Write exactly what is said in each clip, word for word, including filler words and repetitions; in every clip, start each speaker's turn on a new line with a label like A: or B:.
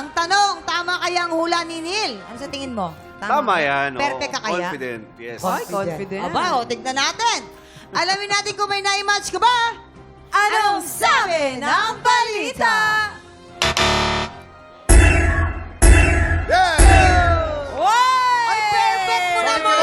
A: Ang tanong, tama kaya ang hula ni Neil? Ano sa tingin mo?
B: Tama yan. oo.
A: Perfect ka kaya?
B: Confident, yes.
C: Ay, confident.
A: Aba, o, tignan natin. Alamin natin kung may na-match ka ba?
C: Anong sabi ng balita?
A: Ay, perfect mo naman!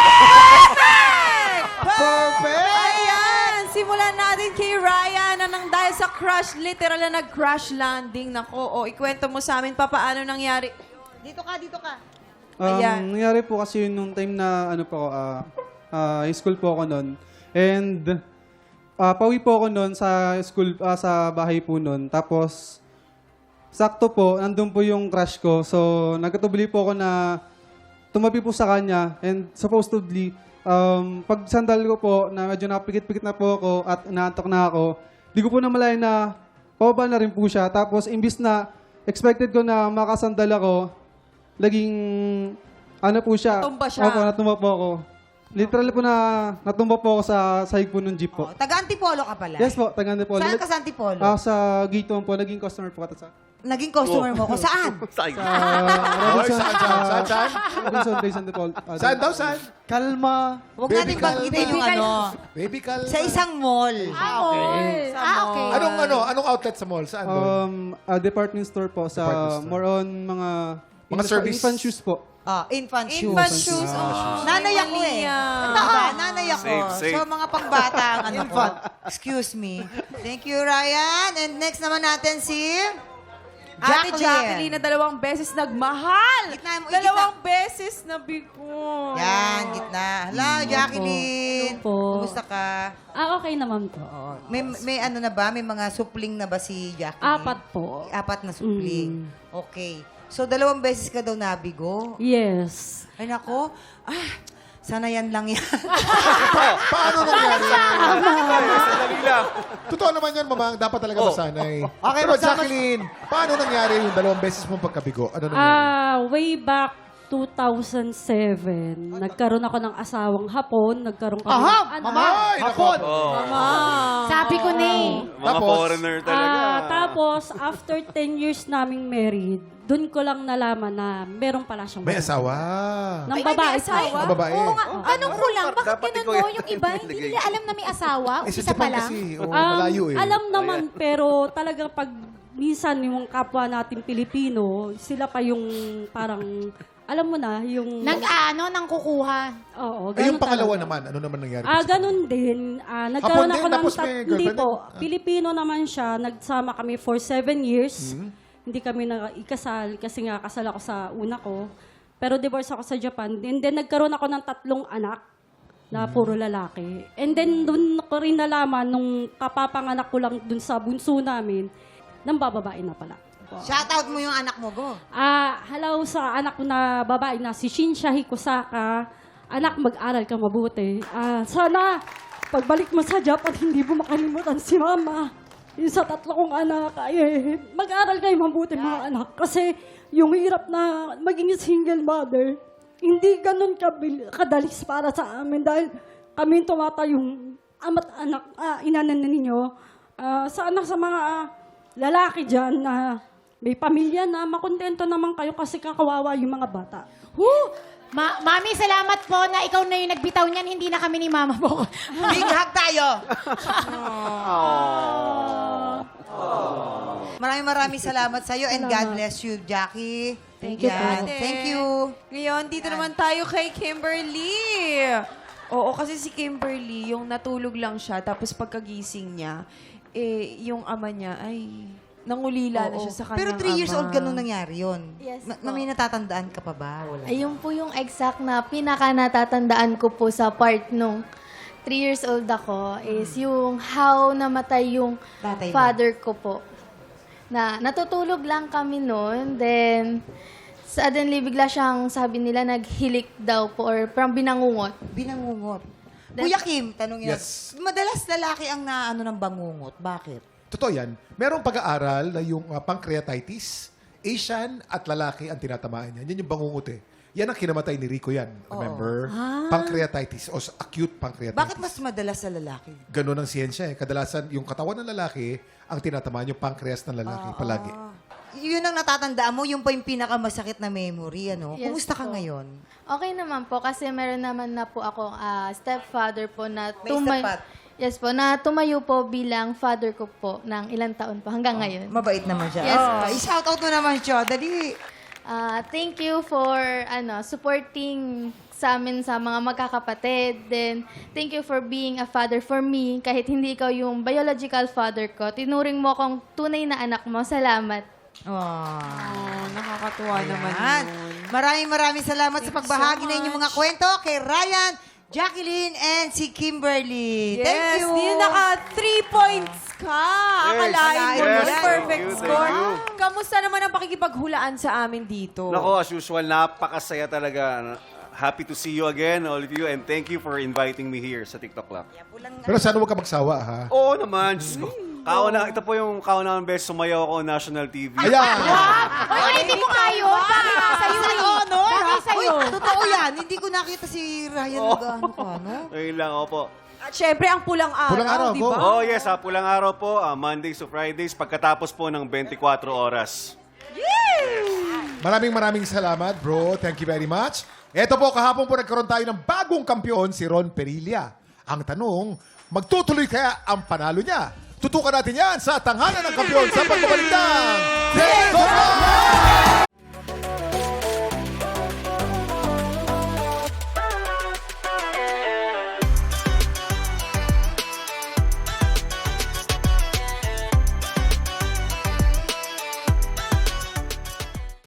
C: Perfect! Ayan! Simulan natin kay Ryan na nang dahil sa crash, literal na nag-crash landing. Nako, o ikwento mo sa amin pa paano nangyari.
A: Dito ka, dito ka.
D: Um,
C: Ayan.
D: nangyari po kasi yun nung time na ano po, ah ah, high school po ako noon. And ah, pauwi po ako noon sa school, ah, sa bahay po noon. Tapos, sakto po, nandun po yung crush ko. So, nagkatubli po ako na tumabi po sa kanya. And supposedly, um, pag sandal ko po, na medyo napikit-pikit na po ako at inaantok na ako, di ko po namalayan na pababa na rin po siya. Tapos, imbis na expected ko na makasandal ako, laging, ano po siya.
C: Natumba siya.
D: Opo, natumba po ako. Literal po na natumba po ako sa sahig po ng jeep po.
A: Oh, taga-Antipolo ka pala.
D: Yes po, Tagando po.
A: Saan ka sa Antipolo?
D: Ah, sa gate one po, naging customer po kata sa...
A: Naging customer mo ko. Saan?
B: Saan?
D: Sa Robinson,
E: saan, saan, saan, saan?
D: Robinson Days and Default. Ah,
E: Saan daw, saan?
D: Kalma.
A: Huwag
E: Baby
A: natin
E: Cal-
A: banggitin yung
E: Baby
A: ano.
E: Baby Cal...
A: Sa isang mall.
F: Ah, okay. Ah, okay.
E: Anong, ano, anong outlet sa mall? Saan doon?
D: Um, a department store po sa
E: Department store.
D: more on mga...
E: Mga
D: infant-
E: service.
D: Infant shoes po.
A: Ah, infant shoes.
C: Infant shoes. Oh,
A: Nanay ako eh. Diba? Nanay ako.
B: Safe, safe.
A: So, mga pangbata ang ano ko. Excuse me. Thank you, Ryan. And next naman natin si...
C: Ate Jacqueline na dalawang beses nagmahal.
A: Gitna mo,
C: dalawang beses na bigo.
A: Yan, gitna. Hello, Jacqueline.
F: Hello po.
A: Kumusta ka?
F: Ah, okay naman po.
A: May, may ano na ba? May mga supling na ba si Jacqueline?
F: Apat po.
A: Apat na supling. Okay. So, dalawang beses ka daw nabigo.
F: Yes.
A: Ay, nako. Ah, sana yan lang yan.
E: Pa- paano nangyari?
B: Sandali lang.
E: Totoo naman yan, mamang. Dapat talaga
B: Oh.
E: masanay.
A: Okay,
E: Pero
A: magsama-
E: Jacqueline, paano nangyari yung dalawang beses mong pagkabigo? Ano nangyari?
F: Ah, way back two thousand seven, nagkaroon ako ng asawang hapon, nagkaroon kami
A: Aha,
F: ng anak.
E: Ay, hapon!
F: Sabi ko na eh.
B: Mga
E: Tapos?
B: foreigner talaga.
F: Ah, tapos, after ten years naming married, dun ko lang nalaman na meron pala siyang
E: May asawa.
F: Ng
C: Ay, may
F: babae.
C: asawa?
E: Ang babae.
G: Oo nga. Anong kulang? Bakit
B: Dapat
G: ganun
B: ikaw
G: mo?
B: yan.
G: Yung iba, hindi nila alam na may asawa.
E: Eh, sa
G: Isa pa
E: Japan
G: lang.
E: kasi, oh,
F: Um,
E: malayo eh.
F: Alam naman, pero talagang pag minsan yung kapwa natin Pilipino, sila pa yung parang, alam mo na, yung...
G: Nag-ano, nang kukuha.
F: Oo,
E: Ay, yung
F: ganun
E: pangalawa
F: talaga.
E: naman, ano naman nangyari?
F: Ah,
E: sa
F: ganun din. Ah, nagkaroon
E: Hapon
F: ako
E: din,
F: ng
E: tapos
F: tat-
E: may
F: hindi
E: girlfriend
F: po.
E: din? Ah.
F: Pilipino naman siya. Nagsama kami for seven years.
E: Hmm?
F: Hindi kami na ikasal kasi nga kasal ako sa una ko. Pero divorce ako sa Japan. And then nagkaroon ako ng tatlong anak na
E: Hmm.
F: puro lalaki. And then doon ko rin nalaman nung kapapanganak ko lang dun sa bunso namin, nang bababae na pala.
A: Shoutout mo yung anak mo, go.
F: Ah, hello sa anak ko na babae na si Shinsha Hikusaka. Anak, mag-aral ka mabuti. Ah, sana pagbalik mo sa Japan, hindi mo makalimutan si Mama. Yung sa tatlo kong anak, ay, mag-aral kayo mabuti mga anak. Kasi yung hirap na maging single mother, hindi ganun kabil- kadalis para sa amin dahil kami tumatayong ama't anak, ah, inanan na ninyo. Ah, sana sa mga ah, lalaki dyan na may pamilya na makontento naman kayo kasi kakawawa yung mga bata.
G: Woo! Ma Mami, salamat po na ikaw na yung nagbitaw niyan, hindi na kami ni Mama mo.
A: Big hug tayo. Maraming maraming salamat sa iyo and God bless you, Jackie.
F: Thank you,
A: Yan.
F: po.
A: Thank you.
C: Ngayon, dito naman tayo kay Kimberly. Oo, kasi si Kimberly, yung natulog lang siya, tapos pagkagising niya, eh, yung ama niya, ay, nangulila na
A: Oo.
C: siya sa kanyang
A: Pero three years
C: ama.
A: old ganun nangyari yun.
H: Yes
A: Na,
H: po.
A: na may natatandaan ka pa ba? Wala.
H: Ayun po yung exact na pinaka natatandaan ko po sa part nung three years old ako is yung how namatay yung
A: Tatay mo.
H: father ko po. Na natutulog lang kami noon, then suddenly bigla siyang sabi nila naghilik daw po or parang binangungot.
A: Binangungot. Kuya Kim, tanongin
E: Yes.
A: natin. Madalas lalaki ang naano ng bangungot. Bakit?
E: Totoo yan. Merong pag-aaral na yung uh, pancreatitis, Asian at lalaki ang tinatamaan yan. Yan yung bangungot eh. Yan ang kinamatay ni Rico yan. Remember? Pancreatitis o s- acute pancreatitis.
A: Bakit mas madalas sa lalaki?
E: Ganun ang siyensya eh. Kadalasan, yung katawan ng lalaki ang tinatamaan yung pancreas ng lalaki palagi.
A: yun ang natatandaan mo, yun pa yung pinakamasakit na memory, ano?
H: Yes
A: Kumusta ka
H: po.
A: ngayon?
H: Okay naman po kasi meron naman na po ako ah, stepfather po na
A: May
H: tumay-
A: stepfat-
H: Yes po, na tumayo po bilang father ko po ng ilang taon po hanggang ngayon.
A: Mabait naman siya.
H: Yes,
A: Oh,
H: po.
A: i-shout out mo naman siya. Dali.
H: Ah, thank you for ano supporting sa amin sa mga magkakapatid. Then, thank you for being a father for me. Kahit hindi ikaw yung biological father ko, tinuring mo akong tunay na anak mo. Salamat.
A: Oh.
C: Oh, nakakatuwa naman
A: Ayan.
C: yun.
A: Maraming maraming salamat sa
C: Thank you
A: pagbahagi
C: so
A: na inyong
C: much.
A: mga kwento kay Ryan, Jacqueline, and si Kimberly.
C: Yes,
A: Thank you.
C: Dino, naka three points ka. Akalain mo
A: Yes,
C: yun.
A: thank
C: Perfect
B: you, thank
C: score.
B: you.
C: Kamusta naman ang pakikipaghulaan sa amin dito?
B: Nako, as usual, napakasaya talaga. Happy to see you again, all of you, and thank you for inviting me here sa TikTok Club.
E: Pero sana huwag ka magsawa, ha?
B: Oo naman, Diyos ko. Kauna, ito po yung kaunang beses sumayaw ako national T V.
E: Ayan!
G: Hoy, hindi mo kayo. Bakit nga sa'yo
A: Sa
G: eh?
A: honor.
G: Bakit sa'yo?
A: Uy, totoo yan. Hindi ko nakita si Ryan
B: Oh.
A: nag-ano ka, no?
B: Ayun lang, opo.
C: At syempre, ang pulang araw,
E: Pulang araw,
C: di
E: go.
C: ba?
B: Oh yes, ha, pulang araw po, ah, Mondays to Fridays, pagkatapos po ng twenty-four oras.
E: Maraming maraming salamat, bro. Thank you very much. Ito po, kahapon po nagkaroon tayo ng bagong kampiyon, si Ron Perilla. Ang tanong, magtutuloy kaya ang panalo niya? Tutukan natin yan sa tanghalan ng kampiyon sa pagbabalik ng Take Over!